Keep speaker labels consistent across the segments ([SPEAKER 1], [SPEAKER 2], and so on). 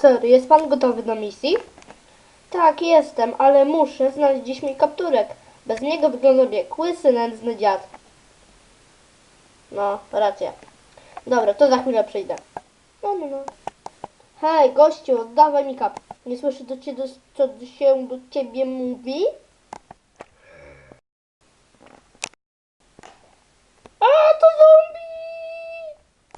[SPEAKER 1] Sir, jest pan gotowy do misji? Tak, jestem, ale muszę znaleźć dziś mój kapturek. Bez niego wygląda jak łysy, nędzny dziad. No, racja. Dobra, to za chwilę przyjdę. No. Hej, gościu, oddawaj mi kap. Nie słyszę co się do ciebie mówi? A, to zombie!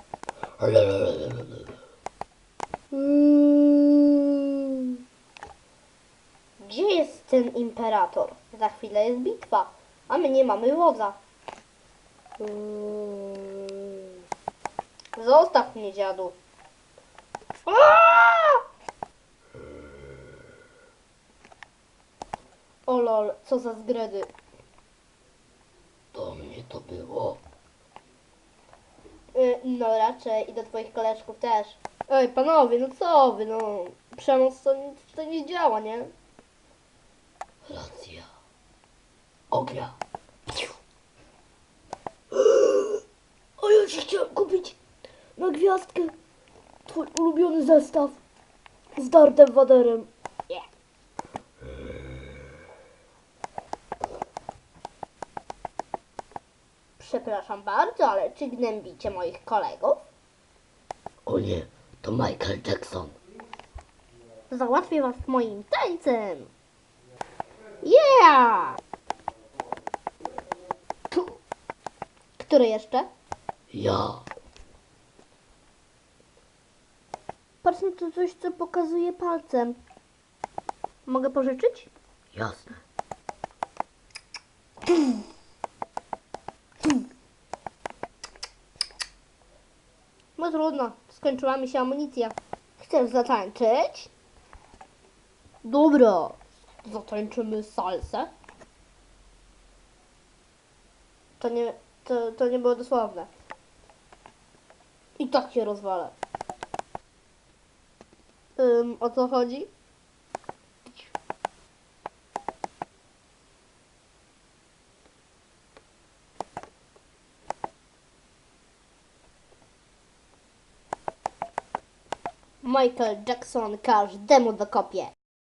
[SPEAKER 1] Gdzie jest ten imperator? Za chwilę jest bitwa, a my nie mamy wodza. Zostaw mnie, dziadu. O lol, co za zgredy.
[SPEAKER 2] Do mnie to było.
[SPEAKER 1] No raczej i do twoich koleżków też. Ej, panowie, no co wy, no. Przemoc to nie działa, nie?
[SPEAKER 2] Racja. Ognia.
[SPEAKER 1] O, ja ci chciałem kupić na gwiazdkę twój ulubiony zestaw z Dartem Vaderem. Yeah. Przepraszam bardzo, ale czy gnębicie moich kolegów?
[SPEAKER 2] O nie, to Michael Jackson.
[SPEAKER 1] Załatwię was moim tańcem. Yeah! Który jeszcze?
[SPEAKER 2] Ja.
[SPEAKER 1] Patrz na to coś, co pokazuje palcem. Mogę pożyczyć?
[SPEAKER 2] Jasne.
[SPEAKER 1] No trudno, skończyła mi się amunicja. Chcesz zatańczyć? Dobra, zatańczymy salsę. To nie było dosłowne. I tak się rozwalę. O co chodzi? Michael Jackson każdemu dokopie.